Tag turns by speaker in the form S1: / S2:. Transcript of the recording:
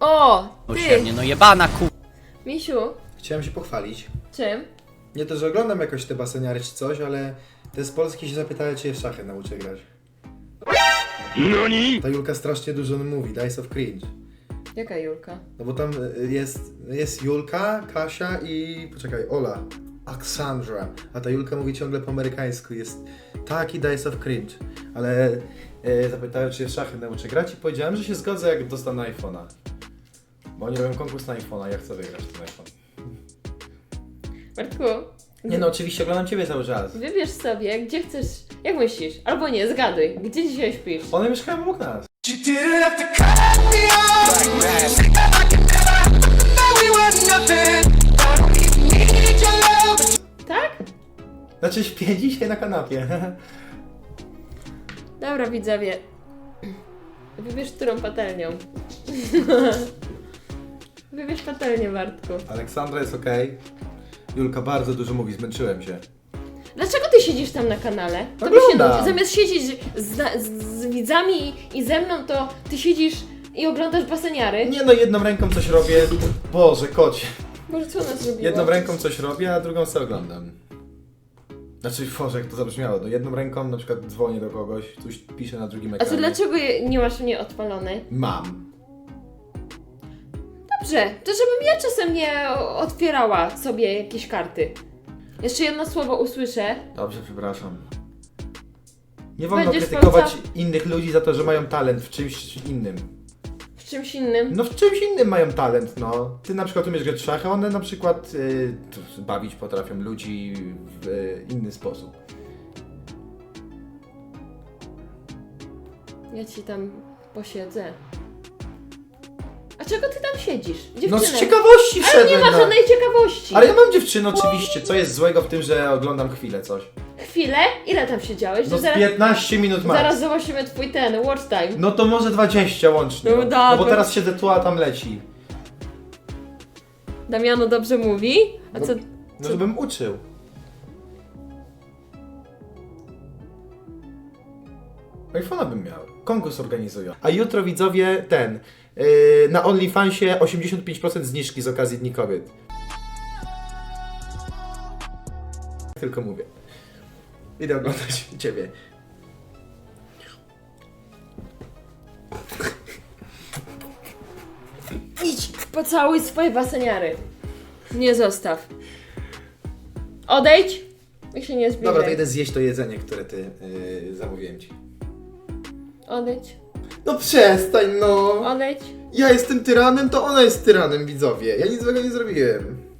S1: O,
S2: O
S1: ty!
S2: się no jebana
S1: Misiu,
S3: Chciałem się pochwalić.
S1: czym?
S3: Nie to, że oglądam jakoś te baseniary czy coś, ale te z Polski się zapytały, czy je w szachy nauczę grać. Ta Julka strasznie dużo mówi, Dice of Cringe.
S1: Jaka Julka?
S3: No bo tam jest Julka, Kasia i... poczekaj, Ola. Alexandra. A ta Julka mówi ciągle po amerykańsku. Jest taki Dice of Cringe. Ale zapytałem, czy je w szachy nauczę grać i powiedziałem, że się zgodzę, jak dostanę iPhone'a. Bo oni robią konkurs na iPhone'a, ja chcę wygrać ten iPhone.
S1: Martku,
S3: Nie no, oczywiście oglądam Ciebie cały czas.
S1: wybierz sobie, gdzie chcesz, jak myślisz? Albo nie, zgaduj, gdzie dzisiaj śpisz?
S3: One mieszkają obok nas.
S1: Tak?
S3: Znaczy śpię dzisiaj na kanapie.
S1: Dobra, widzowie. Wybierz którą patelnią. Wybierz patelnię, Bartku.
S3: Aleksandra jest okej. Julka bardzo dużo mówi, zmęczyłem się.
S1: Dlaczego ty siedzisz tam na kanale? To by się
S3: Oglądam.
S1: nudzi. Zamiast siedzieć z widzami i ze mną, to ty siedzisz i oglądasz baseniary.
S3: Nie no, jedną ręką coś robię. Boże, kocie.
S1: Boże, co ona zrobiła?
S3: Jedną ręką coś robię, a drugą sobie oglądam. Znaczy, Boże, jak to zabrzmiało. No jedną ręką na przykład dzwonię do kogoś, coś piszę na drugim
S1: A
S3: ekranie.
S1: to dlaczego nie masz mnie odpalonej?
S3: Mam.
S1: Dobrze, to żebym ja czasem nie otwierała sobie jakieś karty. Jeszcze jedno słowo usłyszę.
S3: Dobrze, przepraszam. Nie wolno
S1: Będziesz
S3: krytykować innych ludzi za to, że mają talent w czymś innym.
S1: W czymś innym.
S3: No w czymś innym mają talent, no. Ty na przykład umiesz grać w szachy, one na przykład bawić potrafią ludzi w inny sposób.
S1: Ja ci tam posiedzę. A czego ty tam siedzisz? Dziewczyny.
S3: No z ciekawości
S1: Ale
S3: wszedłem
S1: nie ma
S3: na-
S1: żadnej ciekawości.
S3: Ale ja mam dziewczynę oczywiście, co jest złego w tym, że oglądam chwilę coś?
S1: Chwilę? Ile tam siedziałeś?
S3: No
S1: To
S3: z 15 minut max.
S1: zaraz zobaczymy twój watch time.
S3: No to może 20 łącznie.
S1: No
S3: No,
S1: dobra.
S3: bo teraz siedzę tu, a tam leci.
S1: Damiano dobrze mówi? A
S3: No.
S1: co?
S3: No żebym uczył. iPhone'a bym miał. Konkurs organizują. A jutro widzowie na OnlyFansie 85% zniżki z okazji Dni Kobiet. Tylko mówię. Idę oglądać Ciebie.
S1: Idź, pocałuj swoje baseniary. Nie zostaw. Odejdź i się nie zbliżaj.
S3: Dobra, to idę zjeść to jedzenie, które ty zamówiłem Ci.
S1: Odejdź,
S3: No przestań no!
S1: odejdź.
S3: Ja jestem tyranem, to ona jest tyranem, widzowie. Ja nic złego nie zrobiłem.